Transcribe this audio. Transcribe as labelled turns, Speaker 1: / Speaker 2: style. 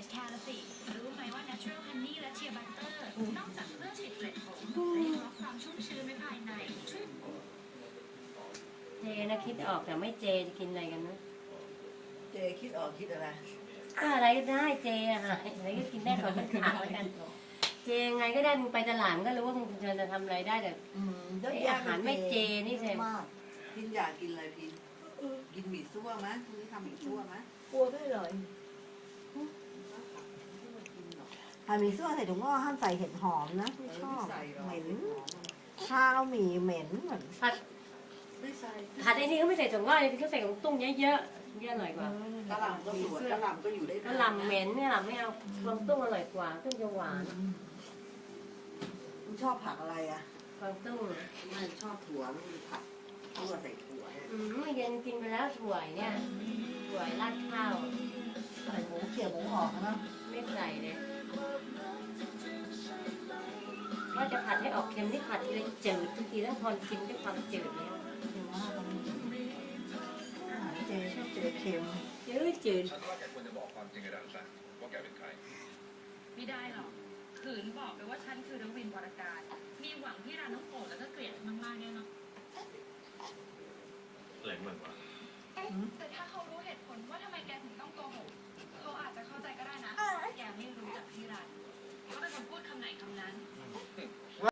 Speaker 1: จแคร์ละสิรู้ไหมว่า Natural Honey และ Shea Butter นอกจากเพื่อฉีดเกล็ดผมและยังรับความชุ่มชื้นไว้ภายในช่วย
Speaker 2: เจนะคิดออกแต่ไม่เจจะกินอะไรกันนะ
Speaker 3: เจคิดออกคิดอะไร
Speaker 2: ก็อะไรก็ได้เจอะค่ะอะไรก็กินได้ขอเป็นขาดแล้วกันเจยังไงก็ได้มึงไปตลาดมึงก็รู้ว่ามึงจะทำอะไรได้แต่ไอ้อาหารไม่เจนี่เจ
Speaker 4: มาก
Speaker 3: พินอยากกินอะไรพินกินหมี่ซั่วไหมพรุ่งนี้ทำหมี่ซั่วไหม
Speaker 4: กลัวไม่เลยถ้ามีซั่วใส่ถุงงอกห้ามใส่เห็ดหอมนะไม่ชอบ
Speaker 3: ใส่หรอก
Speaker 4: เหม็นข้าวหมี่เหม็นเหมือน
Speaker 2: ผัด
Speaker 3: ไม่ใส่
Speaker 2: ผัดไอ้นี่ก็ไม่ใส่ถั่วงอกเลยเขาใส่ของตุ้งเยอะๆเยอะอร่อยกว่า
Speaker 3: กะหล่ำก็สวยกะหล่ำก็อยู่ได้
Speaker 2: กะหล่ำเหม็นเนี่ยหล่ำไม่เอากวางตุ้งอร่อยกว่าตุ้งจะหวาน
Speaker 3: คุณชอบผักอะไรอ่ะ
Speaker 2: กวางตุ้ง
Speaker 3: ไม่ชอบถั่วไม่มีผักถั่วใส่ถั่วเนี่ย
Speaker 2: เมื่อเย็นกินไปแล้วถั่วเนี่ยถั่วราดข้าว
Speaker 4: ใส่หมูเขี่ยหมูออกนะ
Speaker 2: ไม่ใส่เลยว่าจะผัดให้ออกเค็มนี่ผัดทีละจืดทุกทีแล้วพอกินด้วยความจืดแล้ว
Speaker 4: เดี๋ยวว่ากันอาหารเจชอบเจเค็ม
Speaker 2: จืด
Speaker 5: ฉันว่าแกควรจะบอกความจริงกับดันซะว่าแกเป็นใคร
Speaker 1: ไม่ได้หรอกขืนบอกไปว่าฉันคือรวินวรการมีหวังที่ร้านน้องโปรดแล้วก็เกลียดมากๆแน่นอน
Speaker 5: อะไรของมันวะ